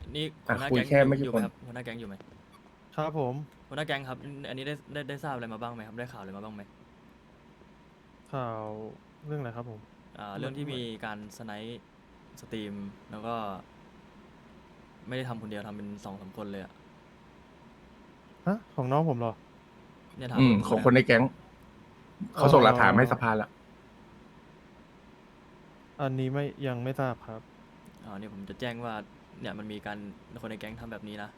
นี่หัวหน้าคุยแก๊งแค่ไม่อยู่กี่ไหมคนครับหัวหน้าแก๊งอยู่ไหมครับผมหัวหน้าแก๊งครับอันนี้ได้ทราบอะไรมาบ้างไหมครับได้ข่าวอะไรมาบ้างไหมข่าวเรื่องอะไรครับผมเรื่องที่มีการสไนป์สตรีมแล้วก็ไม่ได้ทำคนเดียวทำเป็น2-3คนเลยอะฮะ ของน้องผมเหรอเนี่ยถามของคนในแก๊งเขาส่งหลักฐานมาให้สภาละอันนี้ยังไม่ทราบครับเนี่ยผมจะแจ้งว่าเนี่ยมันมีการคนในแก๊งทำแบบนี้นะ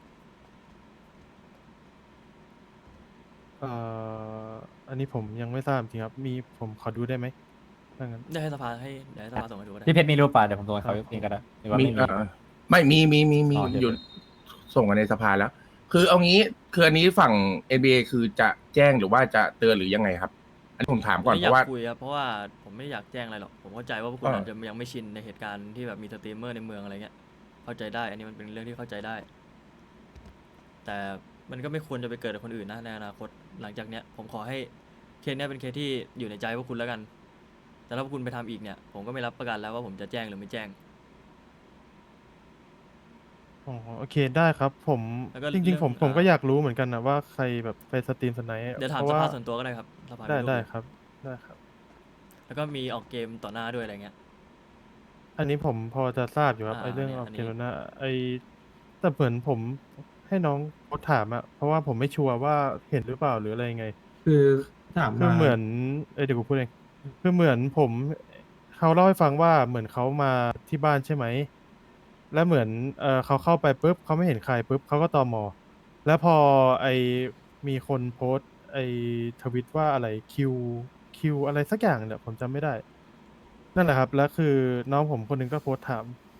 เอ่อันนี้ผมยังไม่ทราบจริงครับ ผมขอดูได้ไหมถ้างั้นได้ให้สภาเดี๋ยวให้สภาส่งให้ดูก็ได้พี่เพชรมีรูปป่ะเดี๋ยวผมส่งให้เขาเองก็ได้หรือว่ามีไม่มีไม่มีอ๋อเดี๋ยวอยู่ส่งกันในสภาแล้ว คือเอางี้คืออันนี้ฝั่ง NBA คือจะแจ้งหรือว่าจะเตือนหรือยังไงครับ อันนี้ผมถามก่อนไม่เพอยาราะว่ากคุยครับเพราะว่าผมไม่อยากแจ้งอะไรหรอกผมเข้าใจว่าพวกคุณอ่าอาจจะยังไม่ชินในเหตุการณ์ที่แบบมีสตรีมเมอร์ในเมืองอะไรเงี้ยเข้าใจได้อันนี้มันเป็นเรื่องที่เข้าใจได้ แต่มันก็ไม่ควรจะไปเกิดกับคนอื่นนะในอนาคตหลังจากเนี้ยผมขอให้เคสเนี้ยเป็นเคสที่อยู่ในใจพวกคุณแล้วกัน แต่ถ้าพวกคุณไปทำอีกเนี่ยผมก็ไม่รับประกันแล้วว่าผมจะแจ้งหรือไม่แจ้งอ๋อโอเคได้ครับแล้วก็จริง ๆ ผมเรื่องก็อยากรู้เหมือนกันนะว่าใครแบบไปสตรีมสไนป์เดี๋ยวถามเพสราะภาว่าส่วนตัวก็ได้ครับสภาได้มีรูปได้อยู่ครับได้ครับแล้วก็มีออกเกมต่อหน้าด้วยอะไรเงี้ยอันนี้ผมพอจะทราบอยู่ครับอ่าไอ้เรื่องเนี่ยออกอันเกนี้มแล้วนะแต่เหมือนผมให้น้องโพสต์ถามอะเพราะว่าผมไม่ชัวร์ว่าเห็นหรือเปล่าหรืออะไรยังไงคือถามคือมาเหมือนเดี๋ยวกูพูดเองคือเหมือนเขาเล่าให้ฟังว่าเหมือนเขามาที่บ้านใช่ไหม แล้วเหมือนเขาเข้าไปปุ๊บเขาไม่เห็นใครปุ๊บเขาก็ตมแล้วพอไอมีคนโพสต์ไอทวิตว่าอะไรคิวอะไรสักอย่างเนี่ยผมจำไม่ได้ นั่นแหละครับ แล้วคือน้องผมคนหนึงก็โพสต์ถาม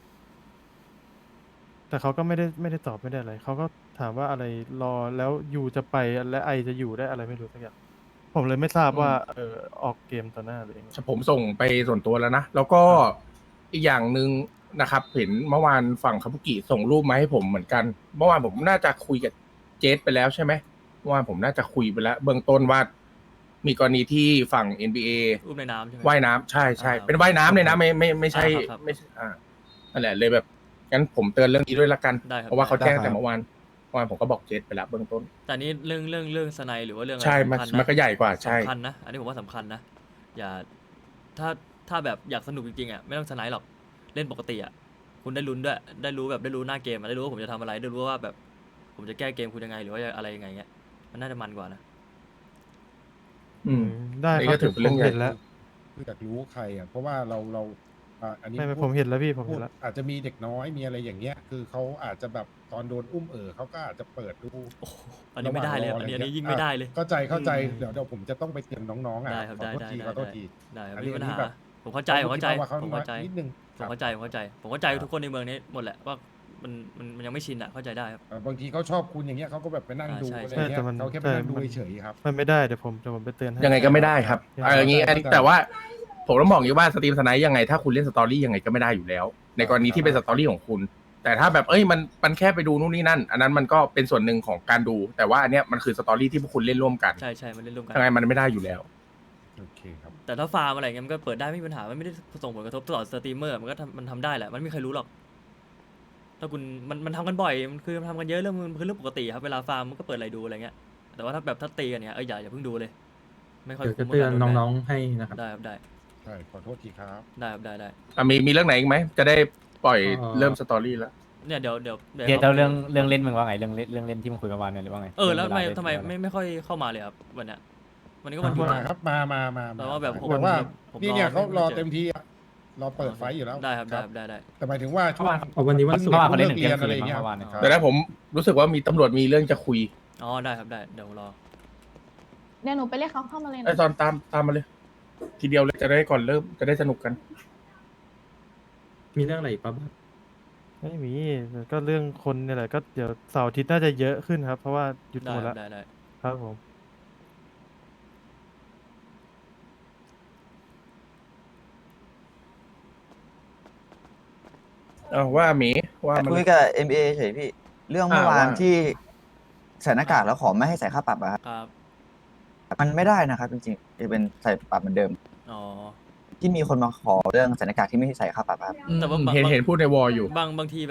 แต่เขาก็ไม่ได้ตอบไม่ได้อะไรเขาก็ถามว่าอะไรรอแล้วยูจะไปและไอจะอยู่ได้อะไรไม่รู้สักอย่างผมเลยไม่ทราบว่าออกเกมต่อหน้าหรือยังไงผมส่งไปส่วนตัวแล้วนะ แล้วก็อีกอย่างหนึ่งนะครับ เห็นเมื่อวานฝั่งคาบุกิส่งรูปมาให้ผมเหมือนกัน เมื่อวานผมน่าจะคุยกับเจสไปแล้วใช่ไหมเมื่อวานผมน่าจะคุยไปแล้ว เบื้องต้นว่ามีกรณีที่ฝั่ง NBA อุ้มในน้ำใช่ไหมว่ายน้ำใช่อ่าเป็นว่ายน้ำเลยนะไม่ใช่ครับไม่ใช่นั่นแหละเลยแบบงั้นผมเตือนเรื่องนี้ด้วยละกันได้ครับเพราะว่าเขาได้แจ้งแต่เมื่อวานผมก็บอกเจสไปแล้วเบื้องต้นแต่นี่เรื่องสไนหรือว่าเรื่องอะไรใช่สำคัญมันก็ใหญ่กว่าใช่สำคัญนะอันนี้ผมว่าสำคัญนะอย่าถ้าแบบอยากสนุกจริงๆอ่ะไม่ต้องสไนหรอกเล่นปกติอ่ะคุณได้ลุ้นด้วยได้รู้แบบได้รู้หน้าเกมอะได้รู้ว่าผมจะทำอะไรได้รู้ว่าแบบผมจะแก้เกมคุณยังไงหรือว่าอะไรยังไงเงี้ยมันน่าจะมันกว่านะอืมได้อันนี้ครัก็บถือเป็นเรื่องผมใหญ่เห็นแล้วคืออยากรู้ใครอ่ะเพราะว่าเราอันนี้ไม่พูดผมเห็นแล้วพี่ผมพูเห็ดนแล้วอาจจะมีเด็กน้อยมีอะไรอย่างเงี้ย คือเขาอาจจะแบบตอนโดนอุ้มเขาก็อาจจะเปิดดูโอ้โหอันนี้ไม่ได้เลยระหอัว่าน งรนี้ออันนี้อะรยิ่งไม่ได้เลยเข้าใจเดี๋ยวผมจะต้องไปเตือนน้องๆอ่ะได้ครับขอโทษได้ทีได้ขอโทษทีได้ครับอันไม่นี้มีปัญอันนี้หาแบบผมเข้าใจผมเข้าใจเขาผมเข้าใจนิดนึงผมเข้าใจทุกคนในเมืองนี้หมดแหละว่ามันยังไม่ชินอ่ะเข้าใจได้ครับบางทีเขาชอบคุณอย่างเงี้ยเขาก็แบบไปนั่งดูใช่อะไรใช่เงี้ยแต่มันเขาแค่ไปนั่งดูเฉยๆครับมันไม่ได้เดี๋ยวผมไปเตือนให้ยังไงก็ไม่ได้ครับใช่อย่างนี้เข้าใจแต่ว่าผมต้องบอกอย่างนี้ว่าสตรีมสไนด์ยังไงถ้าคุณเล่นสตอรี่ยังไงก็ไม่ได้อยู่แล้ว ในกรณีที่เป็นสตอรี่ของคุณ แต่ถ้าแบบมันแค่ไปดูนู่นนี่นั่น อันนั้นมันก็เป็นส่วนหนึ่งของการดู แต่ว่าอันเนี้ยมันคือสตอรี่ที่พวกคุณเล่นร่วมกันใช่มันเล่นร่วมกันยังไงมันไม่ได้อยู่แล้วโอเคครับแต่ถ้าฟาร์มอะไรเงี้ยมันก็เปิดได้ไม่มีปัญหามันไม่ได้ส่งผลกระทบต่อสตรีมเมอร์มันก็มันทำได้แหละมันไม่มีใครรู้หรอกถ้าคุณมันทำกันบ่อยมันคือทำกันเยอะเรื่องมันคือเรื่องปกติครับเวลาฟาร์มมันก็เปิดอะไรดูอะไรเงี้ยแต่ว่าถ้าตีกันเนี้ยอย่าเพิ่งดูเลย ไม่ค่อยเดี๋ยวจะคุ้มเตือนกับการโดน้องๆให้นะครับได้ครับได้ใช่ขอโทษทีครับได้ครับได้มีเรื่องไหนอีกไหมจะได้ปล่อย เริ่มสตอรี่แล้วเนี่ยเดี๋ยวเดี๋ยวเรื่องเล่นมึงว่าไงเรื่องเล่นที่มึงคุยเมื่อวานเนี่ยหรือว่าไงแล้วเวลาเล่นทำไมเวลาเล่นไม่ค่อยเข้ามาเลยครับวันเนี้ยวันนี้ก็วันหยุดมานะครับมาแต่ว่าแบบผมแต่ว่าผมนี่เนี่ยรอเขารอไม่เจอเต็มที่อะรอเปิดไฟอยู่แล้วได้ครับได้แต่หมายถึงว่าช่วงเอาวันนี้วันศุกเมื่อร์วานเขาเล่นถึงเลิเที่ยกงเรียนคืนอะไรเงี้ยเมื่อวานเนี่ยครับแต่ถ้าผมรู้สึกว่ามีตำรวจมีเรื่องจะคุยอ๋อได้ครับได้เดี๋ยวรอเดี๋ยวหนูไปเรียกเขาเข้ามาเลยไอ้นะตอนตามมาเลย ทีเดียวเลยจะได้ก่อนเริ่มจะได้สนุกกันมีเรื่องอะไรอีกปะบ้างไม่มีก็เรื่องคนเนี่ยแหละก็เดี๋ยวเสาร์อาทิตย์น่าจะเยอะขึ้นครับ เพราะว่าหยุดได้หมดครัแล้วบได้ครับผมว่าหมีว่ามันคุยกับ MBA เฉยพี่ เรื่องเมื่อวานว่าที่ใส่หน้ากากแล้วขอไม่ให้ใส่ค่าปรับอะครับครับมันไม่ได้นะครับจริงๆจะเป็นใส่ปรับเหมือนเดิมอ๋อที่มีคนมาขอเรื่องใส่หน้ากากที่ไม่ให้ใส่ค่าปรับอะครับแต่ว่าเห็นพูดในวอลอยู่บางทีแบบ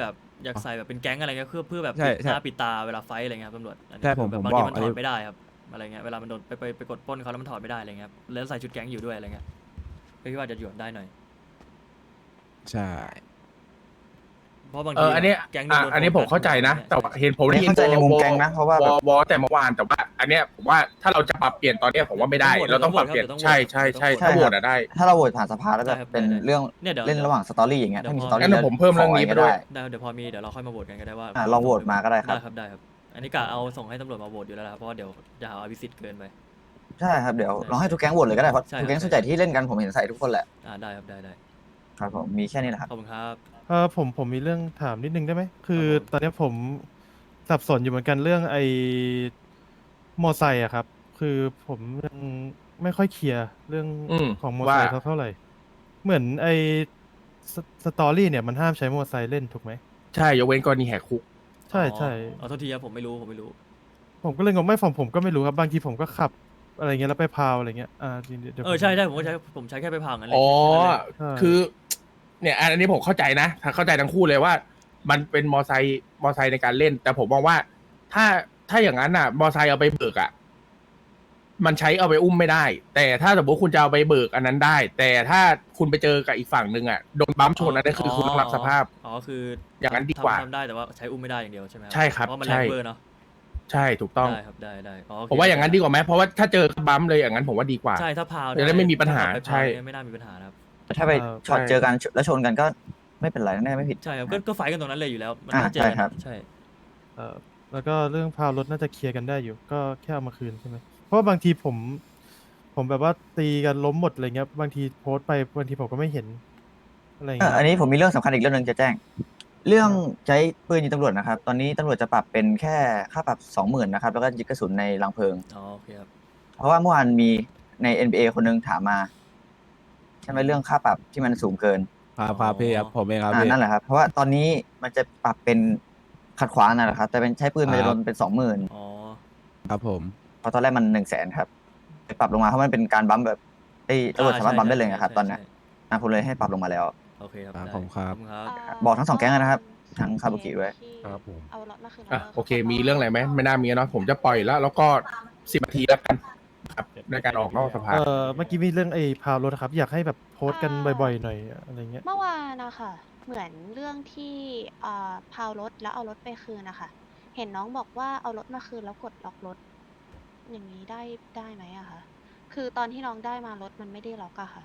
อยากใส่แบบเป็นแก๊งอะไรเงี้ยเพื่อแบบใช่ปิดหใช่น้าปิดตาเวลาไฟท์อะไรเงี้ยครับตำรวจอันนี้ใช่ผมแบบผมบางบทีอกมันอันถนี้อดไม่ได้ครับอะไรเงี้ยเวลามันโดนไปกดปล้นเขาแล้วมันถอดไม่ได้อะไรเงี้ยแล้วใส่ชุดแก๊งอยู่ด้วยอะไรเงี้ยก็คิดว่าจะหยวนได้หน่อยใช่เพราะบางเอทีออันเนี้ยแก๊งอ่ะโดนอันนี้ผมโฟกัสเข้าใจนะ แต่ว่าเห็นผมไม่ได้ยินเข้าใจในมุมแก๊งนะเพราะว่าแบบวอแต่เมื่อวานแต่ว่า อันเนี้ยผมว่าถ้าเราจะปรับเปลี่ยนตอนเนี้ยผมว่าไม่ได้ เราต้องปรับเปลี่ยนใช่ใช่ใช่ถ้าโหวตอะได้ถ้าเราโหวตผ่านสภาแล้วแบบเป็นเรื่องเนี่ยเดี๋ยวเล่นระหว่างสตอรี่อย่างเงี้ยถ้ามีสตอรี่งั้นเดี๋ยวผมเพิ่มเรื่องนี้ไปด้วยเดี๋ยวพอมีเดี๋ยวเราค่อยมาโหวตกันก็ได้ว่าลองโหวตมาก็ได้ครับได้ครับได้ครับ อันนี้กะเอาส่งให้ตำรวจมาโหวตอยู่แล้วนะครับเพราะว่าเดี๋ยวจะหาอภิสิทธิ์เกินไปใช่ครับเดี๋ยวลองให้ทุกแก๊งโหวตเลยก็ได้เพราะใช่ทุกแก๊งครับส่วนใหญ่ที่เล่นกันผมเห็นใส่ทุกคนแหละได้ครับได้ครับผมมีแค่นี้แหละครับขอบคุณครับผมมีเรื่องถามนิดนึงได้ไหมคือครับผมตอนเนี้ยผมสับสนอยู่เหมือนกันเรื่องไอ้มอไซค์อะครับ คือผมยังไม่ค่อยเคลียร์เรื่อง ของมอไซค์ว่าเท่าไหร่เหมือนไอ้สตอรี่เนี่ยมันห้ามใช้มอไซค์เล่นถูกไหมใช่ยกเว้นกรณีแหกคุกใช่ใช่อ๋อโทษทีครับผมไม่รู้ผมก็เลยงงไม่ผมก็ไม่รู้ครับบางทีผมก็ขับอะไรเงี้ยแล้วไปพาวอะไรเงี้ยเดี๋ยวใช่ผมก็ผมใช้แค่ไปพังนั่นเลยอ๋อใช่คือ เนี่ยอันนี้ผมเข้าใจนะเข้าใจทั้งคู่เลยว่า มันเป็นมอไซค์ในการเล่น แต่ผมมองว่าถ้าอย่างนั้นอ่ะ มอไซค์เอาไปเบิกอ่ะ มันใช้เอาไปอุ้มไม่ได้ แต่ถ้าสมมติคุณจะเอาไปเบิกอันนั้นได้ แต่ถ้าคุณไปเจอกับอีกฝั่งหนึ่งอ่ะโดนบัมป์ชนอันนั้นคือคุณต้องรับสภาพอ๋อคืออย่างนั้นดีกว่าทำได้แต่ว่าใช้อุ้มไม่ได้อย่างเดียวใช่ไหมใช่ครับเพราะมันใช่แรงเบอร์เนาะใช่ถูกต้องได้ครับได้อ๋อโเคผมว่าอย่างนั้นดีกว่าไหมเพราะว่าถ้าเจอบัมป์เลยอย่างนั้นผมว่าดีกว่าใช่ถ้าพาวจะได้ไม่มีปัญหาถ้ไปพวใช่ไม่น่ามีปัญหานะครับแต่ถ้าไปช็อตใช่เจอกันแล้วชนกันก็ไม่เป็นไรแน่ไม่ผิดใช่ครับก็ไฟท์กันตรงนั้นเลยอยู่แล้วมันอ่าไม่เจอกันใช่ครับใช่แล้วก็เรื่องพาวรถน่าจะเคลียร์กันได้อยู่ ก็แค่เอามาคืนใช่ไหมเพราะว่าบางทีผมแบบว่าตีกันล้มหมดอะไรเงี้ยบางทีโพสต์ไปบางทีผมก็ไม่เห็นอะไรเงี้ยอันนี้ผมมีเรื่องสำคัญอีกเรื่องหนึงจะแจ้ง เรื่องใช้ปืนยิงตำรวจนะครับ ตอนนี้ตำรวจจะปรับเป็นแค่ค่าปรับ 20,000นะครับ แล้วก็ยึดกระสุนในรังเพลิงอ๋อโอเคครับเพราะว่าเมื่อวานมีใน NBA คนหนึงถามมาใช่ไหมเรื่องค่าปรับที่มันสูงเกินครับพี่ครับผมเองครับพี่นั่นแหละครับ เพราะว่าตอนนี้มันจะปรับเป็นขัดขวางนั่นแหละครับ แต่เป็นใช้ปืนมันจะโดนเป็น 20,000 อ๋อครับผมเพราะตอนแรกมัน 100,000ครับไปปรับลงมาเพราะมันเป็นการบัมป์แบบตำรวจสามารถบัมป์ได้เลยนะครับ ตอนเนี้ยผมเลยให้ปรับลงมาแล้วโอเคครับครับได้ผมครับขอณครับบอกทั้งสองแก๊งเลยนะครับ ทั้งคาบุกิด้วยครับผมเอารถมาคืนอ่ะโอเค มีเรื่องอะไรไหมไม่น่ามีเนาะผมจะปล่อยแล้วก็10 นาทีแล้วกันครับในการออกนอกสภาเมื่อกี้มีเรื่องไอ้พาวรถครับ อยากให้แบบโพสต์กันบ่อยๆหน่อยอะไรเงี้ยเมื่อวานนะคะเหมือนเรื่องที่พาวรถแล้วเอารถไปคืนนะคะเห็นน้องบอกว่าเอารถมาคืนแล้วกดล็อกรถ อย่างนี้ได้ไหมอะคะคือตอนที่น้องได้มารถมันไม่ได้ล็อกอะค่ะ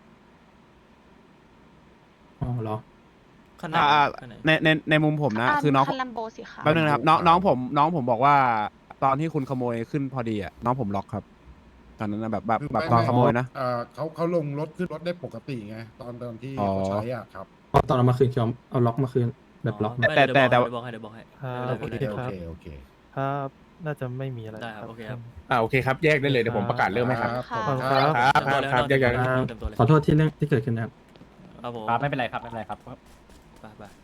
อ๋อเหรอขั้นไหนขั้นไหนในมุมผมนะ คือน้องคันลัมโบสีขาวแป๊บนึงนะครับน้องผมบอกว่า ตอนที่คุณขโมยขึ้นพอดีอ่ะน้องผมล็อกครับ ตอนนั้นนะแบบตอนขโมยนะเขาลงรถขึ้นรถได้ปกติไงตอนที่อ๋อเขาใช้อ่ะครับตอนเอามาคืนคือเอาล็อกมาคืนแบบล็อกไม่แต่เดี๋ยวแต่บอกให้เดี๋ยวบอกให้ครับไม่เป็นไรโอไม่เคเป็นไรโอเคครับน่าจะไม่มีอะไรได้ครับโอเคครับโอเคครับแยกได้เลยเดี๋ยวผมประกาศเรื่องให้ครับครับขอบคุณครับครับแยกย้ายเต็มตัวเลยขอโทษที่เรื่องที่เกิดขึ้นนะครับครับผมครับไม่เป็นไรครับไม่เป็นไรครับไป